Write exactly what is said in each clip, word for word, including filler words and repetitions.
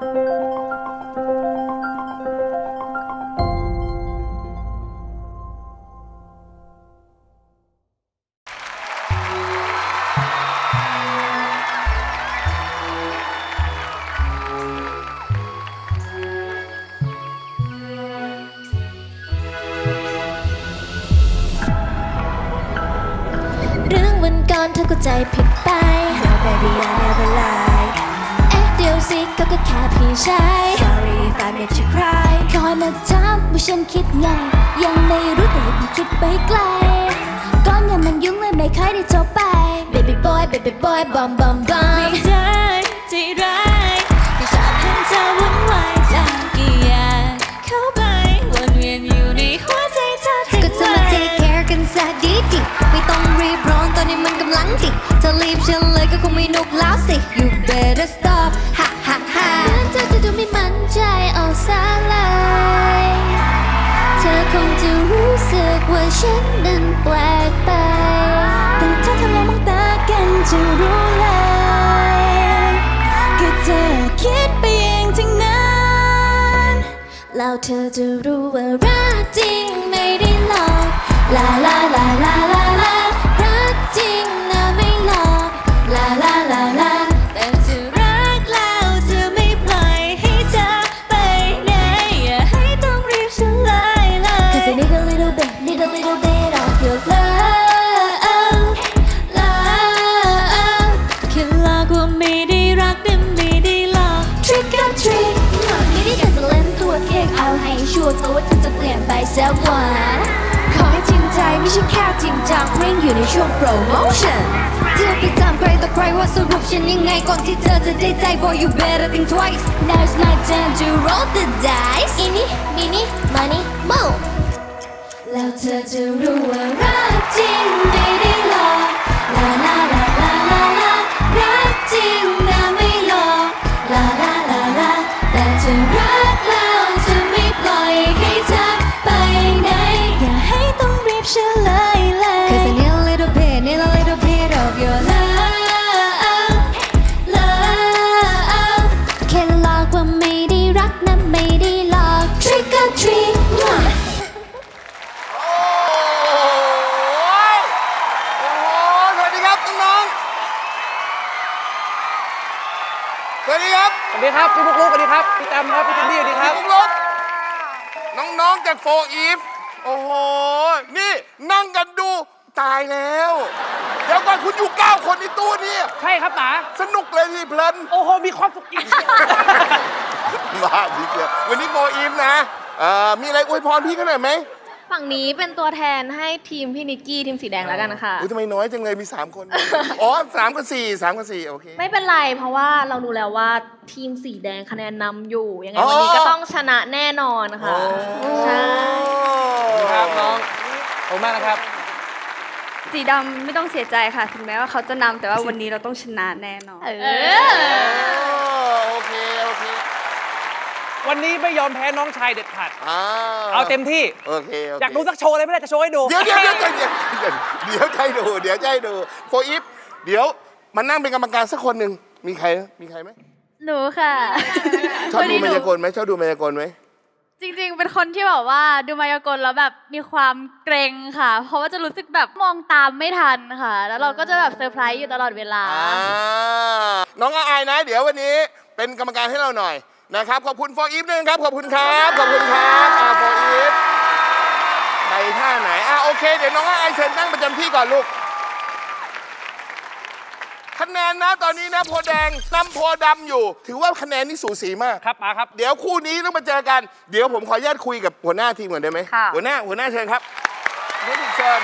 เธอก็ใจผิดไป No baby I never lie เอ๊ะเดี๋ยวสิเขาก็แค่พี่ชาย Sorry if I made you cry คอยมาถามว่าฉันคิดไงยังไม่รู้แต่ผมคิดไปไกลก้อนเงินมันยุ่งเลยไม่ค่อยได้จบไป Baby boy baby boy bum bum bum ไม่ได้ใจร้ายที่ชอบเห็นเธอวุ่นวายจังกี่อย่างเข้าไปวนเวียนอยู่ในหัวใจเธอทั้งวันก็เธอมา take care กันซะดีๆไม่ต้องรีบร้อนตอนนี้มันกำลังดิเธอรีบฉันเลยก็คงไม่นุกแล้วสิ You better stop ha ha ha เหมือนเธอจะดูไม่มั่นใจเอาซะเลยเธอคงจะรู้สึกว่าฉันนั้นแปลกไปแต่ถ้าเธอลองมองตากันจะรู้เลยก็เธอคิดไปเองทั้งนั้นแล้วเธอจะรู้ว่ารักจริงไม่ได้หลอกลาลาลาลาลาลารักจริงนะไม่หลอกลาลาลาลาแต่จะรักแล้วจะไม่ปล่อยให้เธอไปไหนอย่าให้ต้องรีบเฉลยเลย Cause I need a little bit need a little bit of your love love แค่หลอกว่าไม่ได้รักแต่ไม่ได้หลอก Trick or treat ไม่ได้อยากจะเล่นตัวเค้กเอาให้ชัวร์ตัวเธอจะเปลี่ยนไปสักวันขอให้จริงใจไม่ใช่แค่จริงจังเร่งอยู่ในช่วงโปรโมชั่นเธอไปถามใครต่อใครว่าสรุปฉันยังไงก่อนที่เธอจะได้ใจ Boy you better think twice Now's my time to roll the dice อินี่มินี่มานี่โมแล้วเธอจะรู้ว่ารักจริงไม่ได้หลอกลาลาลาลาลาลารักจริงนะไม่หลอกลาลาลาลาแต่เธอรักแล้วจะไม่ปล่อยให้เธอไปไหนอย่าให้ต้องรีบเฉลยเลย Cause I need a little bit need a little bit of your love love แค่หลอกว่าไม่ได้รักนะไม่ได้หลอก Trick or treat โอ้ยโอ้โหสวัสดีครับน้องๆสวัสดีครับสวัสดีครับพี่ปุ๊กลุ๊กสวัสดีครับพี่จำครับพี่ทันดี้สวัสดีครับพี่ลุกน้องๆจากโฟอีฟโอ้โหนี่นั่งกันดูตายแล้วเดี๋ยวก่อนคุณอยู่เก้าคนในตู้นี้ใช่ครับตาสนุกเลยที่เพลินโอ้โหมีความสุขอีกมาพี่เกียร์วันนี้โฟอีฟนะเอ่อมีอะไรอวยพรพี่กันหน่อยไหมฝั่งนี้เป็นตัวแทนให้ทีมพี่นิกกี้ทีมสีแดงแล้วกันนะคะอุ้ยทำไมน้อยจังเลยมีสามคนอ๋อสามกับสี่สามกับสี่โอเคไม่เป็นไรเพราะว่าเรารู้แล้วว่าทีมสีแดงคะแนนนำอยู่ ยังไงอ๋อวันนี้ก็ต้องชนะแน่นอนค่ะ ใช่ครับน้องขอบคุณมากนะครับสีดำไม่ต้องเสียใจค่ะ ถึงแม้ว่าเขาจะนำแต่ว่าวันนี้เราต้องชนะแน่นอนเอเอออโอเคโอเควันนี้ไม่ยอมแพ้น้องชายเด็ดขาดอ่าเอาเต็มที่โอเคโอเคอยากดูสักโชว์อะไรไม่ได้จะโชว์ให้ดูเดี๋ยวเดี๋ยวเดี๋ยวใจเย็นเดี๋ยวใจดูเดี๋ยวใจดูโฟอีฟเดี๋ยวมานั่งเป็นกรรมการสักคนหนึ่งมีใครมีใครไหมหนูค่ะชอบดูมายากลไหมชอบดูมายากลไหมจริงๆ เป็นคนที่แบบว่าดูมายากลแล้วแบบมีความเกรงค่ะ เพราะว่าจะรู้สึกแบบมองตามไม่ทันค่ะ แล้วเราก็จะแบบเซอร์ไพรส์อยู่ตลอดเวลาอ่าน้องอายนะ เดี๋ยววันนี้เป็นกรรมการให้เราหน่อยนะครับขอบคุณโฟอีฟด้วยนะครับขอบคุณครับขอบคุณครับอ่าโฟอีฟไปท่าไหนอ่าโอเคเดี๋ยวน้องอายเชิญนั่งประจำที่ก่อนลูกคะแนนนะตอนนี้นะโพแดงนำโพดำอยู่ ถือว่าคะแนนนี่สูสีมากครับป๋าครับเดี๋ยวคู่นี้ต้องมาเจอกัน เดี๋ยวผมขออนุญาตคุยกับหัวหน้าทีมก่อนได้ไหมค่ะหัวหน้าหัวหน้าเชิญครับเดี๋ยวเชิญ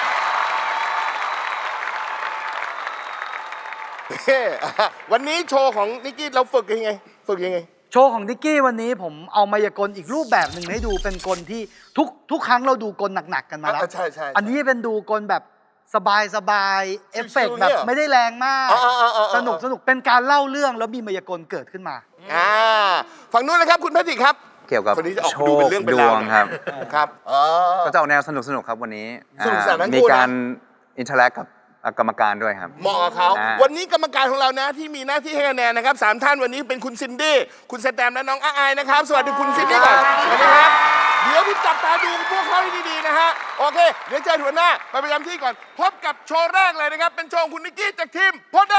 เฮ้วันนี้โชว์ของนิกกี้เราฝึกยังไง ฝึกยังไงโชว์ของดิกกี้วันนี้ผมเอามายากลอีกรูปแบบหนึ่งให้ดูเป็นกลที่ทุกทุกครั้งเราดูกลหนักๆกันมาแล้วอ่ะใช่ใช่อันนี้เป็นดูกลแบบสบายสบายๆเอฟเฟกต์ชิวๆแบบเนี่ยไม่ได้แรงมากอ๋ออ๋ออ๋ออ๋อสนุกสนุกเป็นการเล่าเรื่องแล้วมีมายากลเกิดขึ้นมาอ่าฝั่งนู้นเลยครับคุณแพทริกครับเกี่ยวกับคนนี้จะออกโชดูคเป็นเรื่องเป็นดราว วงครับครับอ๋อก็จะออกแนวสนุกสนุกครับวันนี้สนุกสนานทั้งมีคู่นะการอินเทอร์แลกกับกรรมการด้วยครับเหมาะกับเขาอ่าวันนี้กรรมการของเรานะที่มีหน้าที่ให้คะแนนนะครับสามท่านวันนี้เป็นคุณซินดี้คุณสแตมและน้องอาอายนะครับสวัสดีคุณซินดี้ก่อนสวัสดีครับเดี๋ยวพี่จับตาดูพวกเขาให้ดีๆนะฮะโอเคเดี๋ยวเจอหัวหน้าไปประจำที่ก่อนพบกับโชว์แรกเลยนะครับเป็นโชว์ของคุณนิกกี้จากทีมพอดได้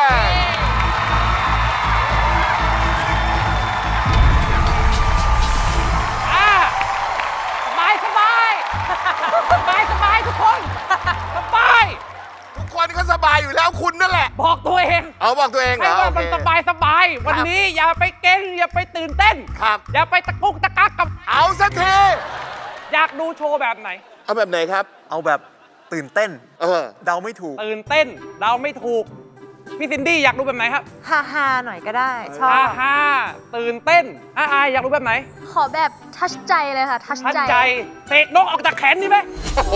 อ่าสบายสบายสบายสบายทุกคนสบายทุกคนก็สบายอยู่แล้วคุณนั่นแหละบอกตัวเองเอาบอกตัวเองเหรให้อว่าโอมันเคสบายสบายวันนี้อย่าไปเก่งอย่าไปตื่นเต้นครับอย่าไปตะกุกตะกักกับเอาสักทีอยากดูโชว์แบบไหนเอาแบบไหนครับเอาแบบตื่นเต้นเออเดาไม่ถูกตื่นเต้นเราไม่ถูก พี่ซินดี้อยากดูแบบไหนครับฮาฮาๆหน่อยก็ได้ ชอฮ่าบฮ่าตื่นเต้นอาอายอยากดูแบบไหนขอแบบทัชใจเลยค่ะ ทัชทัดใจใจเสกนกออกจากแขนนี่ไหมโอ้โห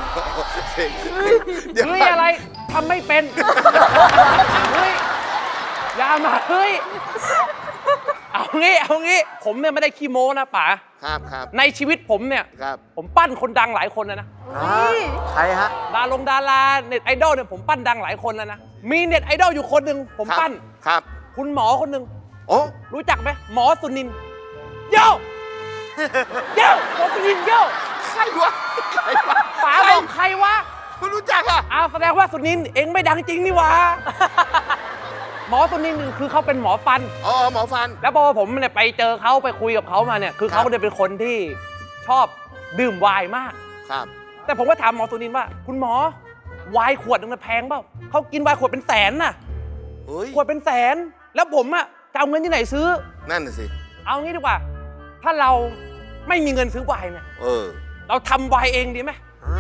เดี๋ยวเฮ้ยอะไรทำไม่เป็นเฮ้ยอย่ามาเฮ้ยเอางี้เอางี้ผมเนี่ยไม่ได้ขี้โม้นะป๋าครับครับในชีวิตผมเนี่ยครับผมปั้นคนดังหลายคนแล้วนะใครฮะดาลงดาราเน็ตไอดอลเนี่ยผมปั้นดังหลายคนแล้วนะ มีเน็ตไอดอลอยู่คนหนึ่งผมปั้นครับคุณหมอคนหนึ่งโอ้รู้จักไหมหมอสุนินท์โย่โย่หมอสุนินท์โย่ใครวะใครวะป๋าใครบอกใครวะไม่รู้จักอ่ะอ้าวแสดงว่าสุนินท์เองไม่ดังจริงนี่หวะหมอสุนินท์คือเขาเป็นหมอฟันอ๋อหมอฟันแล้วพอผมเนี่ยไปเจอเขาไปคุยกับเขามาเนี่ยคือเขาเนี่ยเป็นคนที่ชอบดื่มไวน์มากครับแต่ผมก็ถามหมอสุนินท์ว่า คุณหมอไวน์ขวดนึงมันแพงเปล่าเขากินไวน์ขวดเป็นแสนน่ะเฮ้ยขวดเป็นแสน แล้วผมอะจะเอาเงินที่ไหนซื้อนั่นน่ะสิเอางี้ดีกว่า ถ้าเราไม่มีเงินซื้อไวน์เนี่ยเออเราทำไวน์เองดีไหม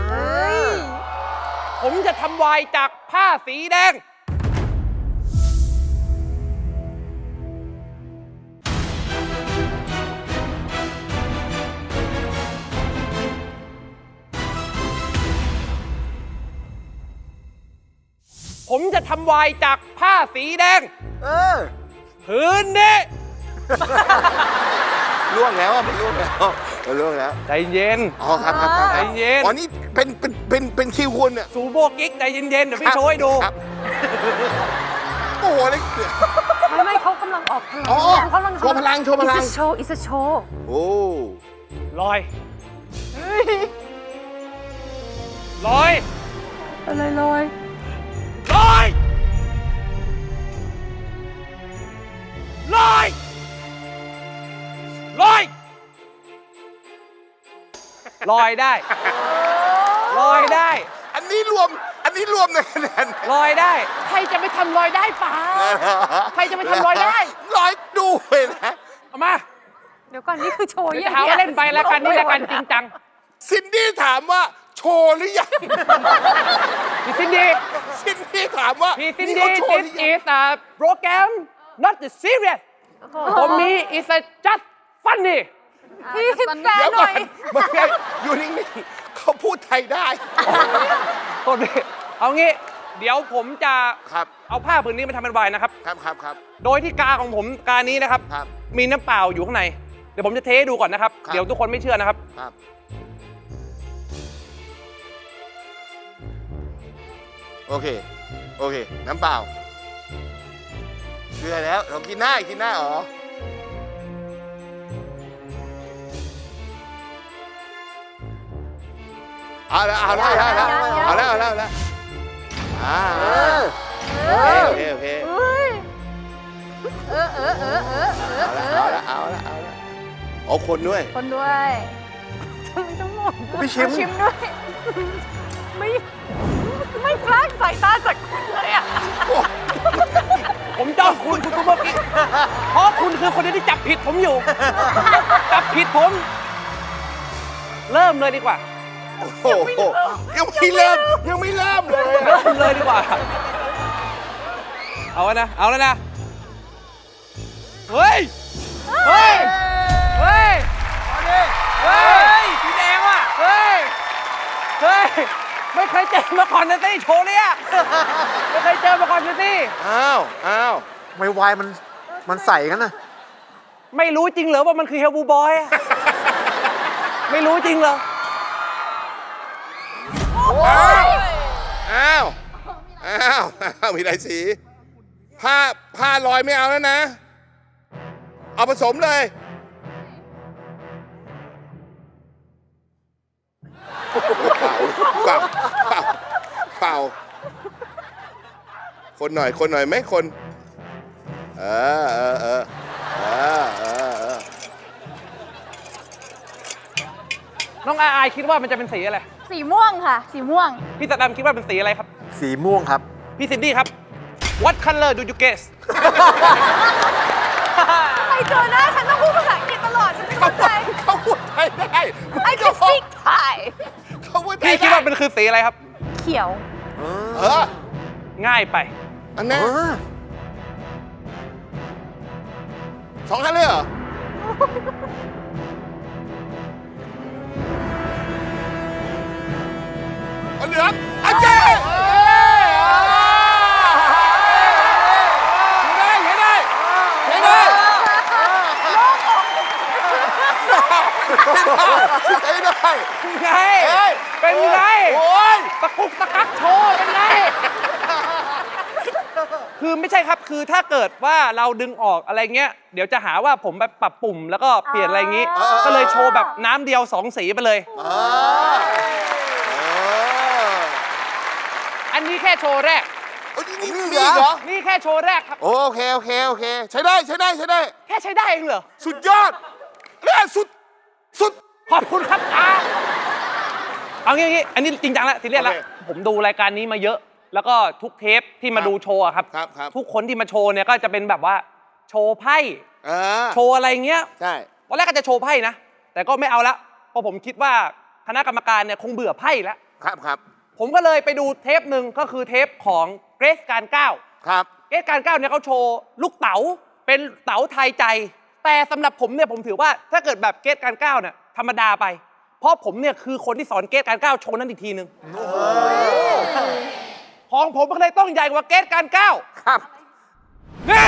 ผมจะทำไวน์จากผ้าสีแดง ผมจะทำไวน์จากผ้าสีแดงเออผืนนี้ล่วงแล้วอ่ะมันล่วงแล้วมันล่วงแล้วใจเย็นอ๋อครับครับครับใจเย็นอ๋อนี่เป็นเป็นเป็นเป็นคิวคุณเนี่ยสูโบกิ๊กใจเย็นๆ เดี๋ยวพี่โชว์ให้ดูครับโอ้โหเลยไม่ไม่เขากำลังออกพลังอ๋อเขากำลังโชว์พลังโชว์พลังอิสโชว์อิสโชว์โอ้ลอย ลอยอะไรลอยลอย ลอย ลอย ลอยได้ ลอยได้อันนี้รวมอันนี้รวมในคะแนนลอยได้ ใครจะไปทำลอยได้ป๋า ใครจะไปทำลอยได้ร้อยดูเลยนะเอามาเดี๋ยวก่อนนี่คือโชว์เดี๋ยวยังจะหาว่าเล่นไปแล้วกันนี่แล้วกันจริงจังซินดี้ถามว่าโชว์หรือยังพี่ซินดี้ซินดี้ถามว่าพี่ซินนี่ดี้เขาโชว์ห this รือยัง is a program not the serious for me it's a just funny พี่แปลเดี๋ยวหก่น่ออน ยมันไงอยู่นิ่งๆเขาพูดไทยได้โทษดิเอางี้ เดี๋ยวผมจะครับเอาผ้าผืนนี้มาทำเป็นไวน์นะครับครับครับครับโดยที่กาของผมกานี้นะครับครับมีน้ำเปล่าอยู่ข้างใน เดี๋ยวผมจะเทให้ดูก่อนนะครับครับเดี๋ยวทุกคนไม่เชื่อนะครับครับ โอเค โอเค น้ำเปล่าเชื่อแล้ว เรากินได้กินได้อ๋อ เอาละเอาละเอาละเอาละเอาละเอาละอ่าโอเคโอเคโอเคเอาละเอาละเอาละเอาคนด้วยคนด้วยพี่ชิมชิมด้วย ไม่ ไม่พลาดสายตาจากคุณเลยอ่ะผมจ้องคุณคุณคุณเมื่อกี้เพราะคุณคือคนเดียวที่จับผิดผมอยู่ จับผิดผม เริ่มเลยดีกว่าโอ้โหยังไม่เริ่มยังไม่เริ่มเลยเริ่มเลยดีกว่า เอาแล้วนะ เอาแล้วนะ เฮ้ย เฮ้ย เฮ้ย เฮ้ย สีแดงว่ะ เฮ้ย เฮ้ย ไม่เคยเจอมาก่อนนะตี้โชว์เนี่ยไม่เคยเจอมาก่อนนะตี้อ้าวอ้าวไม่วายมันมันใส่กันนะไม่รู้จริงเหรอว่ามันคือเฮลบูบอยอะไม่รู้จริงเหรออ้าวอ้าวอ้าวอ้าวมีหลายสีผ้าผ้าลอยไม่เอาแล้วนะ เอาผสมเลยเปล่าเปล่าเปล่าเปล่าคนหน่อยคนหน่อยไหมคน เออเออเออเออเออเออน้องอายอายคิดว่ามันจะเป็นสีอะไรสีม่วงค่ะ สีม่วงพี่สแตมคิดว่าเป็นสีอะไรครับสีม่วงครับพี่ซินดี้ครับ What color do you guess ไปเจอหน้าฉันต้องพูดภาษาอังกฤษตลอด ฉันไม่เข้าใจเขาพูดไทยได้ I can speak Thai เขาพูดไทพี่ยคิดได้ว่าเป็นคือสีอะไรครับเขียวเออง่ายไปอันนี้สองอันเลยเหรอ เอาเหลืองอาเจ้ใช้ได้ใช้ได้ใช้ได้ใช้ได้ไงเอ้ยเป็นไงโอ้ยตะกุกตะกักโชว์เป็นไง คือไม่ใช่ครับ คือถ้าเกิดว่าเราดึงออกอะไรเงี้ย เดี๋ยวจะหาว่าผมแบบปรับปุ่มแล้วก็เปลี่ยนอะไรอย่างงี้อ่าก็เลยโชว์แบบน้ำเดียวสองสีไปเลยอ่าเอออันนี้แค่โชว์แรกเอ้ยนี่นี่มีอีกเหรอนี่แค่โชว์แรกครับโอเค โอเค โอเค ใช้ได้ ใช้ได้ ใช้ได้แค่ใช้ได้เองเหรอสุดยอดเนี่ยสุด สุดขอบคุณครับอาเอางี้งี้อันนี้จริงจังแล้วทีเรียกแล้วโอเคผมดูรายการนี้มาเยอะ แล้วก็ทุกเทปที่มาดูโชว์อะครับครับครับทุกคนที่มาโชว์เนี่ยก็จะเป็นแบบว่าโชว์ไพ่เออโชว์อะไรเงี้ยใช่ตอนแรกก็จะโชว์ไพ่นะ แต่ก็ไม่เอาละเพราะผมคิดว่าคณะกรรมการเนี่ยคงเบื่อไพ่แล้วครับครับผมก็เลยไปดูเทปหนึ่งก็คือเทปของเกรซการเก้าครับเกรซการเก้าเนี่ยเขาโชว์ลูกเต๋าเป็นเต๋าไทยใจ แต่สำหรับผมเนี่ยผมถือว่าถ้าเกิดแบบเกรซการเก้าเนี่ยธรรมดาไป เพราะผมเนี่ยคือคนที่สอนเกรซการเก้าโชว์นั้นอีกทีหนึ่งของผมก็เลยต้องใหญ่กว่าเกรซการเก้าครับนี่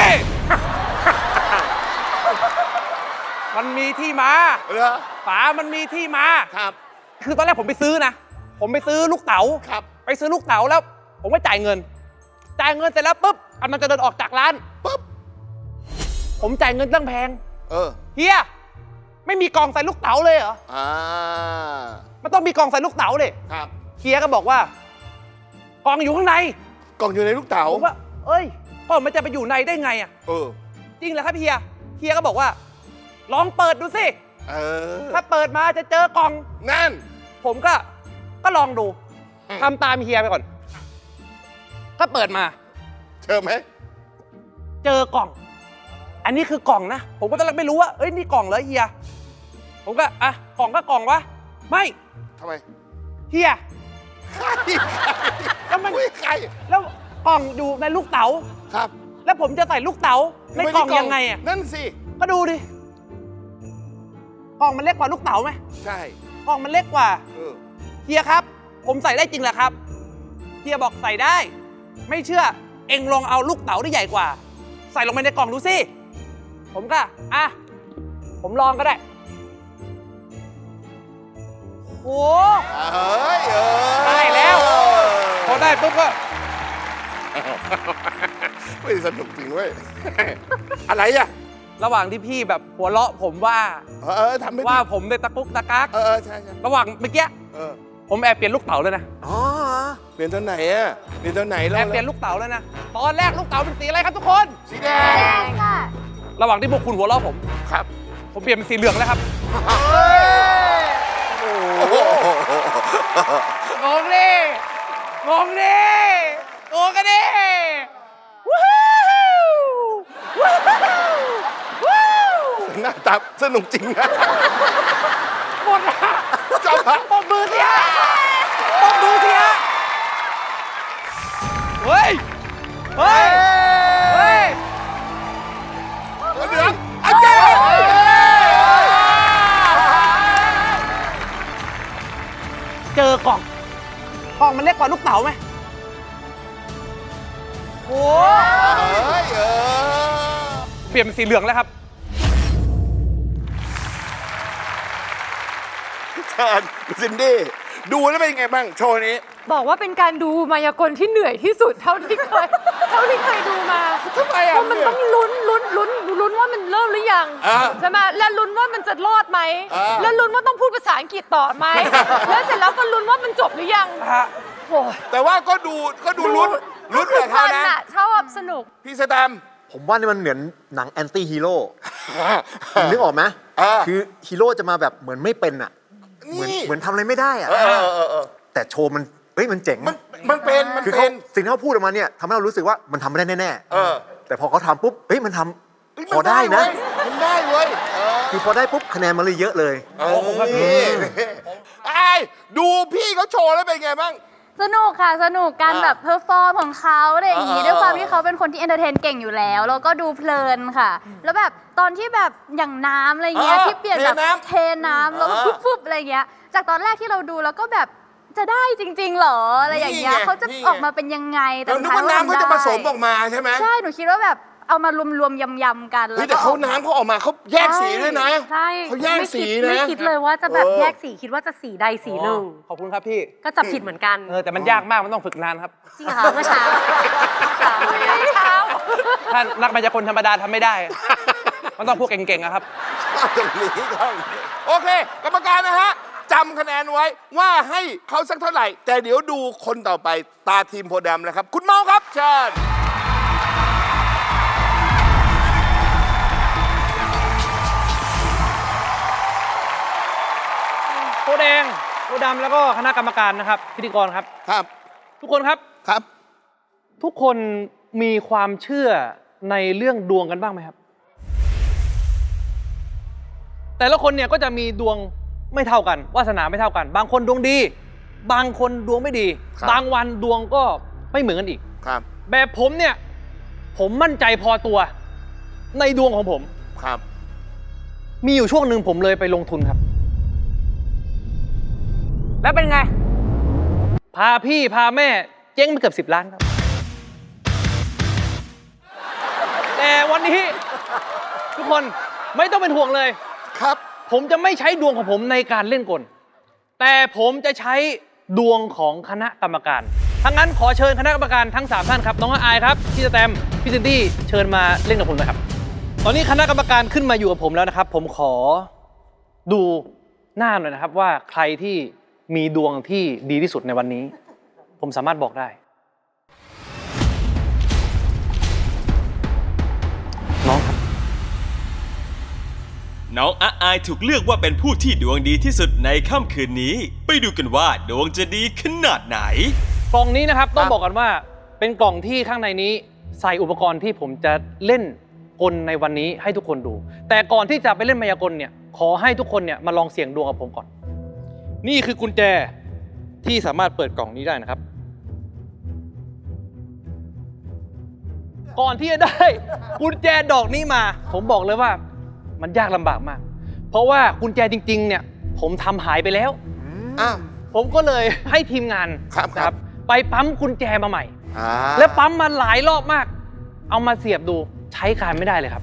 มันมีที่มาเหรอฝามันมีที่มาครับคือตอนแรกผมไปซื้อนะ ผมไปซื้อลูกเต๋าครับไปซื้อลูกเต๋าแล้ว ผมก็จ่ายเงิน จ่ายเงินเสร็จแล้วปุ๊บกำลังจะเดินออกจากร้านปุ๊บผมจ่ายเงินตั้งแพงเออเฮีย ไม่มีกล่องใส่ลูกเต๋าเลยเหรออ่ามันต้องมีกล่องใส่ลูกเต๋าเลยครับเฮียก็บอกว่า กล่องอยู่ข้างในกล่องอยู่ในลูกเต๋าผมว่า เอ้ยกล่องมันจะไปอยู่ในได้ไงอ่ะเออจริงเหรอครับเฮีย เฮียก็บอกว่า ลองเปิดดูสิเออถ้าเปิดมาจะเจอกล่องนั่นผมก็ ก็ลองดูอืมทำตามเฮียไปก่อน ก็เปิดมาเจอไหมเจอกล่อง อันนี้คือกล่องนะ ผมก็ตอนแรกไม่รู้ว่า เอ้ย นี่กล่องเหรอเฮีย ผมก็ อ่ะ กล่องก็กล่องวะ ไม่ทำไมเฮียใครแล้วมันอุ๊ยใครแล้วกล่องอยู่ในลูกเต๋าครับแล้วผมจะใส่ลูกเต๋าในกล่องยังไงอ่ะนั่นสิก็ดูดิ กล่องมันเล็กกว่าลูกเต๋าไหมใช่กล่องมันเล็กกว่าเออเฮียครับ ผมใส่ได้จริงเหรอครับ เฮียบอกใส่ได้ ไม่เชื่อ เอ็งลองเอาลูกเต๋าที่ใหญ่กว่า ใส่ลงไปในกล่องดูสิ ผมก็ อ่ะ ผมลองก็ได้โอ้เอ้ยเออได้แล้ว พอได้ปุ๊บก็ไม่สนุกจริงเว้ย อะไรอ่ะระหว่างที่พี่แบบหัวเราะผมว่าเออเออทำไม่ว่าดีผมในตะกุกตะกักเออเออใช่ใช่ระหว่างเมื่อกี้เออผมแอบเปลี่ยนลูกเต๋าเลยนะอ๋อเปลี่ยนตอนไหนอ่ะเปลี่ยนตอนไหนแอแล้วบเปลี่ยนลูกเต๋าแล้วนะ ตอนแรกลูกเต๋าเป็นสีอะไรครับทุกคนสีแดงระหว่างที่พวกคุณหัวเราะผมครับผมเปลี่ยนเป็นสีเหลืองแล้วครับโอ้โหงงดิงงดิงงกันดิว้าวว้าวว้าวหน้าตาสนุกจริงนะหมดละจอมพักปมมือสิฮะปมมือสิฮะเฮ้ย เฮ้ย เฮ้ยเหลืองอาเจ้เจอกล่อง กล่องมันเล็กกว่าลูกเต๋าไหมโอ้เอ้ยเออเปลี่ยนเป็นสีเหลืองแล้วครับเชิญซินดี้ดูแล้วเป็นยังไงบ้างโชว์นี้บอกว่าเป็นการดูมายากลที่เหนื่อยที่สุดเท่าที่เคย เท่าที่เคยดูมาทำไมอ่ะเพราะมันต้องลุ้นลุ้นลุ้นลุ้นว่ามันเริ่มหรือยังอ่าใช่ไหมและลุ้นว่ามันจะรอดไหมอ่าแล้วลุ้นว่าต้องพูดภาษาอังกฤษต่อไหม แล้วเสร็จแล้วก็ลุ้นว่ามันจบหรือยังโอ้ยแต่ว่าก็ดูก็ดูลุ้นลุ้นคืกับเขานะอะชอบสนุกพี่สแตมป์ผมว่านี่มันเหมือนหนังแอนตี้ฮีโร่นึกออกไหมอ่าคือฮีโร่จะมาแบบเหมือนไม่เป็นอ่ะ เหมือนนี่เหมือนทำอะไรไม่ได้อ่ะเออเออเออเออแต่โชว์มันเฮ้ยมันเจ๋งมันมันเป็นมันคือเขาเป็นสิ่งที่เขาพูดออกมาเนี่ยทำให้เรารู้สึกว่ามันทำไม่ได้แน่เออๆแต่พอเขาทำปุ๊บเฮ้ยมันทำเฮ้ยพอได้นะเว้ยมันได้เว้ยเออคือพอได้ปุ๊บคะแนนมันเลยเยอะเลยเออไอ้ดูพี่เขาโชว์แล้วเป็นไงบ้างสนุกค่ะ สนุกการอ่าแบบเพอร์ฟอร์มของเขาอะไรอย่างงี้อ่าด้วยความที่เขาเป็นคนที่เอนเตอร์เทนเก่งอยู่แล้ว แล้วก็ดูเพลินค่ะ แล้วแบบตอนที่แบบอย่างน้ำอะไรเงี้ยอ่าที่เปลี่ยนแบบเทน้ำเทน้ำแล้วก็อ่าฟุบๆอะไรเงี้ย จากตอนแรกที่เราดูแล้วก็แบบจะได้จริง ๆ เหรออะไรอย่างเงี้ยนี่ไงเขาจะนี่ไงออกมาเป็นยังไงแต่เราสุดนึกท้ายว่าน้ำเขาจะผสมออกได้มาใช่ไหมใช่หนูคิดว่าแบบเอามารวมๆยำๆกันเฮ้ยก็แต่เขาออกมน้ำเขาออกมาเขาแยกสีด้วยนะใช่เขาแยกไม่สีคิดนะไม่คิดเลยว่าจะแบบเออแยกสีคิดว่าจะสีใดสีหนึ่งขอบคุณครับพี่ก็จับผิดเหมือนกันเออแต่มันยากมากมันต้องฝึกนานครับจริงเหรอคะเมื่อเช้าเมื่อเช้าถ้านักมายากลธรรมดาทำไม่ได้ มันต้องพวกเก่งๆอะครับตรงนี้ครับโอเค กรรมการนะฮะจำคะแนนไว้ว่าให้เขาสักเท่าไหร่ แต่เดี๋ยวดูคนต่อไปตาทีมโพธิ์ดำนะครับ คุณเมาครับเชิญโคแดงโคดำแล้วก็คณะกรรมการนะครับ พิธีกรครับครับทุกคนครับครับทุกคนมีความเชื่อในเรื่องดวงกันบ้างไหมครับ แต่ละคนเนี่ยก็จะมีดวงไม่เท่ากันวาสนาไม่เท่ากัน บางคนดวงดี บางคนดวงไม่ดีครับบางวันดวงก็ไม่เหมือนกันอีกครับแบบผมเนี่ยผมมั่นใจพอตัวในดวงของผมครับมีอยู่ช่วงหนึ่งผมเลยไปลงทุนครับแล้วเป็นไงพาพี่พาแม่เจ๊งไปเกือบสิบล้านครับ แต่วันนี้ทุกคนไม่ต้องเป็นห่วงเลยครับผมจะไม่ใช้ดวงของผมในการเล่นกล แต่ผมจะใช้ดวงของคณะกรรมการทั้งนั้นขอเชิญคณะกรรมการทั้งสามท่านครับน้องอายครับพี่สแตมป์พี่ซินดี้เชิญมาเล่นกับผมนะครับ ตอนนี้คณะกรรมการขึ้นมาอยู่กับผมแล้วนะครับ ผมขอดูหน้าหน่อยนะครับว่าใครที่มีดวงที่ดีที่สุดในวันนี้ ผมสามารถบอกได้ น้องครับน้องอาอายถูกเลือกว่าเป็นผู้ที่ดวงดีที่สุดในค่ำคืนนี้ ไปดูกันว่าดวงจะดีขนาดไหนกล่องนี้นะครับต้องครับบอกกันว่าเป็นกล่องที่ข้างในนี้ใส่อุปกรณ์ที่ผมจะเล่นกลในวันนี้ให้ทุกคนดู แต่ก่อนที่จะไปเล่นมายากลเนี่ยขอให้ทุกคนเนี่ยมาลองเสี่ยงดวงกับผมก่อน นี่คือกุญแจที่สามารถเปิดกล่องนี้ได้นะครับ ก่อนที่จะได้ กุญแจดอกนี้มา ผมบอกเลยว่ามันยากลำบากมาก เพราะว่ากุญแจจริงๆเนี่ยผมทำหายไปแล้วอ้าวผมก็เลยให้ทีมงานครับนะครับ ไปปั๊มกุญแจมาใหม่อ่าแล้วปั๊มมาหลายรอบมาก เอามาเสียบดูใช้การไม่ได้เลยครับ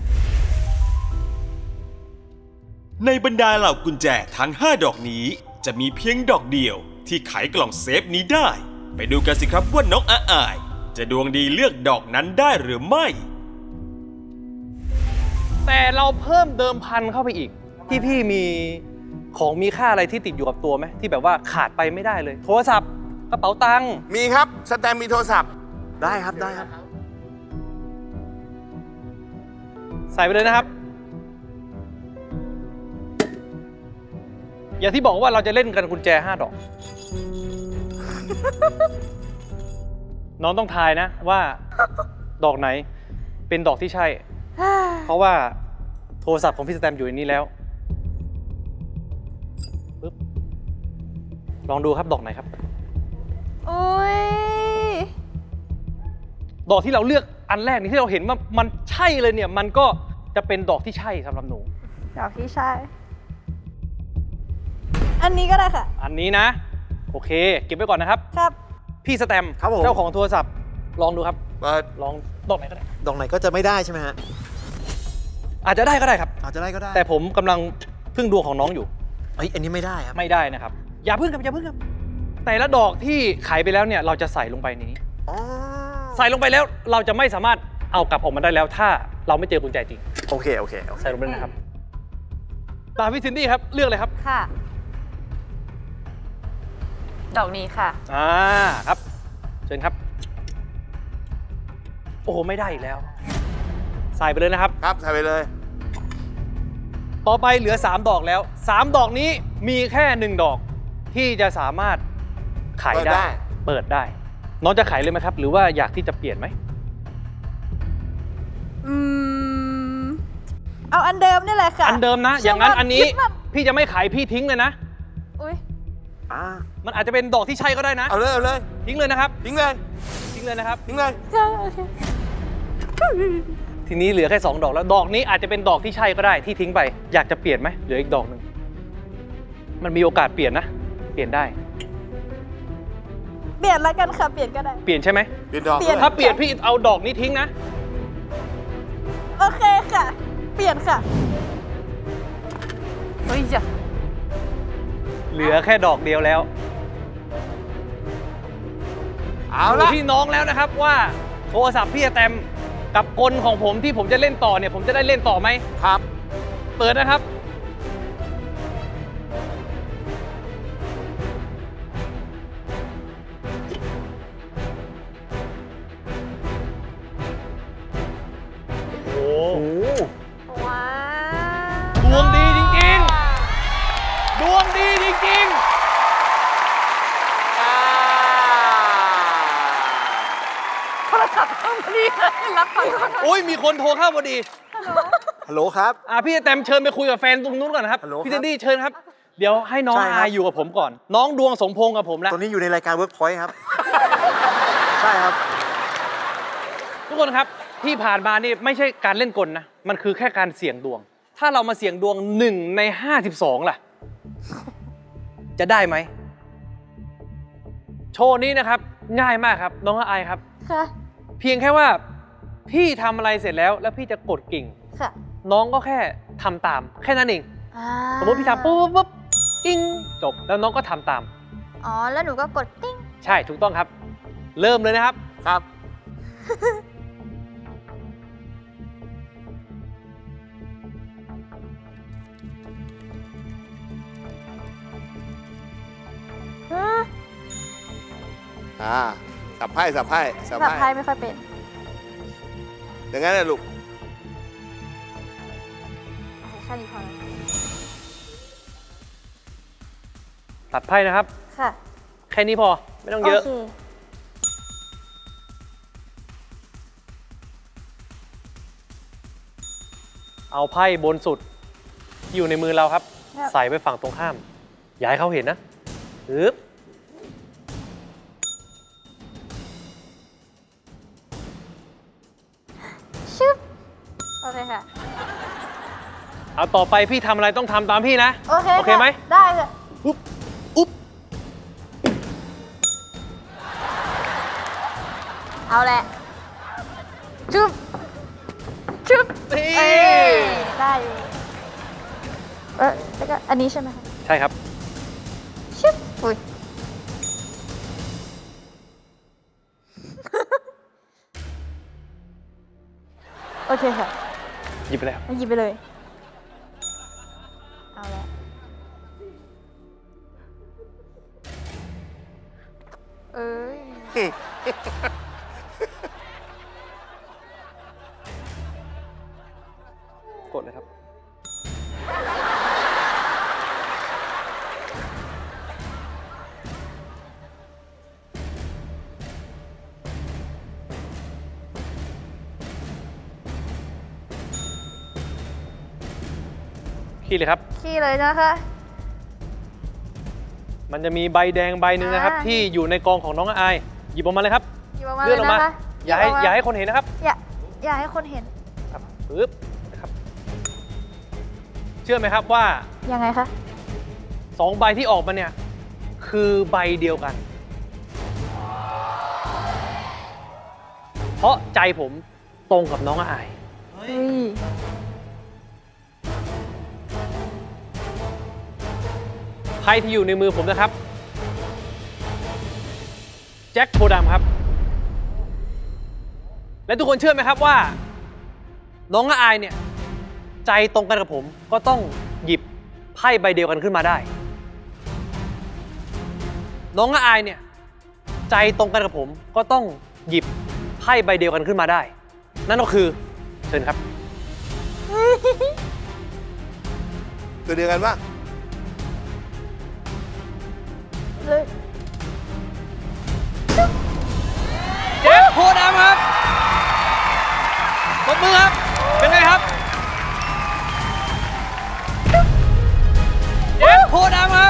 ในบรรดาเหล่ากุญแจทั้งห้าดอกนี้จะมีเพียงดอกเดียวที่ไขกล่องเซฟนี้ได้ ไปดูกันสิครับว่าน้องอาอายจะดวงดีเลือกดอกนั้นได้หรือไม่แต่เราเพิ่มเดิมพันเข้าไปอีก ที่พี่มีของมีค่าอะไรที่ติดอยู่กับตัวไหมที่แบบว่าขาดไปไม่ได้เลย โทรศัพท์กระเป๋าตังค์มีครับ สแตมป์มีโทรศัพท์ได้ครับได้ครับใส่ไปเลยนะครับ อย่างที่บอกว่าเราจะเล่นกันกุญแจห้าดอก น้องต้องทายนะว่าดอกไหนเป็นดอกที่ใช่ เพราะว่าโทรศัพท์ของพี่สแตมป์อยู่ในนี้แล้วปึ๊บลองดูครับดอกไหนครับโอ้ยดอกที่เราเลือกอันแรกนี่ที่เราเห็นว่ามันใช่เลยเนี่ย มันก็จะเป็นดอกที่ใช่สำหรับหนูดอกที่ใช่ อันนี้ก็ได้ค่ะอันนี้นะ โอเค เก็บไว้ก่อนนะครับครับพี่สแตมป์ครับผมเจ้าของโทรศัพท์ลองดูครับเปิดลองดอกไหนก็ได้ดอกไหนก็จะไม่ได้ใช่ไหมฮะอาจจะได้ก็ได้ครับอาจจะได้ก็ได้แต่ผมกำลังพึ่งดวงของน้องอยู่เฮ้ยอันนี้ไม่ได้ครับไม่ได้นะครับ อย่าพึ่งครับอย่าพึ่งครับแต่ละดอกที่ขายไปแล้วเนี่ยเราจะใส่ลงไปนี้อ๋อใส่ลงไปแล้วเราจะไม่สามารถเอากลับออกมาได้แล้ว ถ้าเราไม่เจอกุญแจจริงโอเค โอเคโอเคใส่ลงไปเลยนะครับตามพี่ซินดี้ครับเลือกเลยครับค่ะ ดอกนี้ค่ะอ่าครับเชิญครับ โอ้โหไม่ได้อีกแล้ว ใส่ไปเลยนะครับครับใส่ไปเลยต่อไปเหลือสามดอกแล้วสามดอกนี้มีแค่หนึ่งดอกที่จะสามารถขายเปิดได้ได้ เปิดได้ น้องจะขายเลยไหมครับ หรือว่าอยากที่จะเปลี่ยนไหมอืม เอาอันเดิมนี่แหละค่ะอันเดิมนะเชื่อย่างนั้นว่าอันนี้คิดว่าพี่จะไม่ขายพี่ทิ้งเลยนะอุ้ยอ่ามันอาจจะเป็นดอกที่ใช่ก็ได้นะเอาเลยเอาเลยทิ้งเลยนะครับทิ้งเลยทิ้งเลยนะครับทิ้งเลยค่ะโอเคทีนี้เหลือแค่สองดอกแล้วดอกนี้อาจจะเป็นดอกที่ใช่ก็ได้ที่ทิ้งไปอยากจะเปลี่ยนไหมเหลืออีกดอกหนึ่งมันมีโอกาสเปลี่ยนนะ เปลี่ยนได้เปลี่ยนแล้วกันค่ะ เปลี่ยนก็ได้เปลี่ยนใช่ไหมเปลี่ยนดอกเปลี่ยนถ้าเปลี่ยนพี่เอาดอกนี้ทิ้งนะโอเคค่ะ เปลี่ยนค่ะ เฮ้ยจ้ะเหลือแค่ดอกเดียวแล้วเอาดูละพี่น้องแล้วนะครับว่าโทรศัพท์พี่แตมกับกลของผมที่ผมจะเล่นต่อเนี่ยผมจะได้เล่นต่อไหมครับเปิดนะครับ โอ้โหว้าดวงดีจริงๆ ดวงดีจริงอ่าโทรศัพท์เข้ามาดีเลยรับฟังโทรศัพท์ๆ โอ้ยมีคนโทรเข้าพอดีฮัลโหลครับอ่ะพี่แตมเชิญไปคุยกับแฟนตรงนู้นก่อนนะครับฮัลโหลพี่ครัเจบนดี้เชิญครับ เดี๋ยวให้น้องใช่ครับอายอยู่กับผมก่อน น้องดวงสมพงษ์กับผมแล้วตอนนี้อยู่ในรายการ Workpoint ครับ ใช่ครับทุกคนครับที่ผ่านมานี่ไม่ใช่การเล่นกลนะ มันคือแค่การเสี่ยงดวง ถ้าเรามาเสี่ยงดวงหนึ่งในห้าสิบสองล่ะ จะได้ไหม โชว์นี้นะครับ ง่ายมากครับ น้องอายครับค่ะเพียงแค่ว่าพี่ทำอะไรเสร็จแล้ว แล้วพี่จะกดกิ่งค่ะน้องก็แค่ทำตาม แค่นั้นเองอ่าสมมติพี่ทำปุ๊บปุ๊บปุ๊บกิ้งจบแล้วน้องก็ทำตามอ๋อ แล้วหนูก็กดติ้งใช่ถูกต้องครับ เริ่มเลยนะครับครับ อ่า สับไพ่สับไพ่สับแบบไพ่ไพ่ไม่ค่อยเป็นอย่างนั้นนะลูกแค่นี้พอแล้วตัดไพ่นะครับค่ะแค่นี้พอไม่ต้องเยอะโอเคเอาไพ่บนสุดที่อยู่ในมือเราครับครับใส่ไปฝั่งตรงข้าม อย่าให้เขาเห็นนะปึ๊บชึบ โอเคค่ะเอาต่อไปพี่ทำอะไรต้องทำตามพี่นะโอเคโอเคไหมะได้ค่ะอุ๊บอุ๊บเอาแหละจุ๊บจุ๊บนี่เอ้ยได้อยู่เออแล้วก็อันนี้ใช่ไหมคะใช่ครับชึบอุ้ย โอเคค่ะหยิบไปแล้วมาหยิบไปเลย เอาละเอ้ยกดเลยครับ ขี้เลยครับขี้เลยนะคะมันจะมีใบแดงใบหนึ่งนะครับอ่าที่อยู่ในกองของน้องอาย หยิบออกมาเลยครับหยิบออกมาเลื่เลอนยออกมานะคะอย่าให้บกมอย่าให้คนเห็นนะครับอย่าอย่าให้คนเห็นครับปึ๊บนะครับ เชื่อไหมครับว่ายังไงคะสองใบที่ออกมาเนี่ย คือใบเดียวกัน เพราะใจผมตรงกับน้องอายเฮ้ยไพ่ที่อยู่ในมือผมนะครับแจ็คโพธิ์ดำครับ และทุกคนเชื่อไหมครับว่า น้องอายเนี่ยใจตรงกันกับผมก็ต้องหยิบไพ่ใบเดียวกันขึ้นมาได้ น้องอายเนี่ยใจตรงกันกับผมก็ต้องหยิบไพ่ใบเดียวกันขึ้นมาได้ นั่นก็คือเชิญครับตัวเดียวกันว่าเจ็คโพธิ์ดำครับตบมือครับ เป็นไงครับเจ็คโพธิ์ดำครับ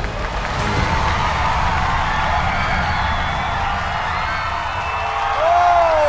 โอ้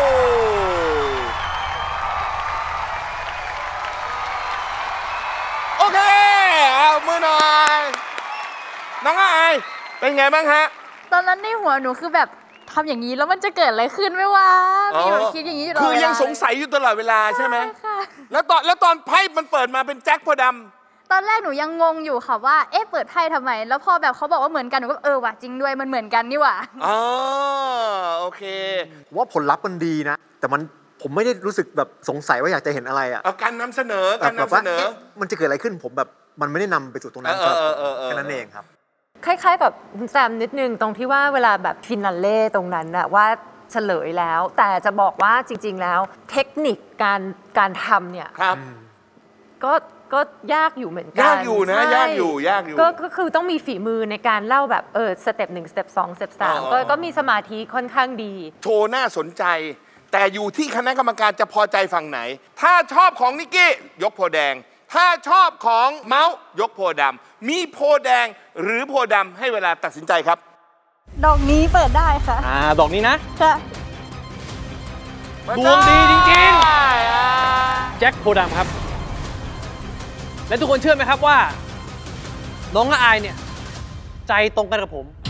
โอเค เอามือหน่อย น้องอายเป็นไงบ้างฮะตอนนั้นในหัวหนูคือแบบทำอย่างนี้แล้วมันจะเกิดอะไรขึ้นไหมวะมีแบบคิดอย่างนี้อยู่ตลอดคือเวลายังสงสัยอยู่ตลอดเวลาใช่ไหมค่ะแล้วตอนแล้วตอนไพ่มันเปิดมาเป็นแจ็คโพธิ์ดตอนแรกหนูยังงงอยู่ค่ะว่า เอ๊ะ เปิดไพ่ทำไม แล้วพอแบบเขาบอกว่าเหมือนกัน หนูก็เออว่ะจริงด้วย มันเหมือนกันนี่หว่าำอ๋อโอเคผมว่าผลลัพธ์มันดีนะ แต่มันผมไม่ได้รู้สึกแบบสงสัยว่าอยากจะเห็นอะไรอะเอาการนำเสนอแบการบแบบนำเสว่านอเอ๊ะมันจะเกิดอะไรขึ้นผมแบบมันไม่ได้นำไปสู่ตรงนั้นเออเออเออเออแค่นั้นเองครับคล้ายๆกับคุณแซมนิดนึงตรงที่ว่าเวลาแบบฟินาเล่ตรงนั้นน่ะว่าเฉลยแล้ว แต่จะบอกว่าจริง ๆ แล้วเทคนิคการการทำเนี่ยครับก็ก็ยากอยู่เหมือนกันยากอยู่นะใช่ยากอยู่ยากอยู่ก็ก็คือต้องมีฝีมือในการเล่าแบบเออสเต็ปหนึ่งสเต็ปสองสเต็ปสามอ๋อก็ก็มีสมาธิค่อนข้างดีโชว์น่าสนใจ แต่อยู่ที่คณะกรรมการจะพอใจฝั่งไหน ถ้าชอบของนิกกี้ยกโพธิ์แดง ถ้าชอบของเมาส์ยกโพธิ์ดำมีโพธิ์แดงหรือโพธิ์ดำให้เวลาตัดสินใจครับดอกนี้เปิดได้ค่ะอ่าดอกนี้นะค่ะดวงดีจริงได้อ่ะๆ แจ็คโพธิ์ดำครับ และทุกคนเชื่อไหมครับว่า น้องอายเนี่ยใจตรงกันกับผม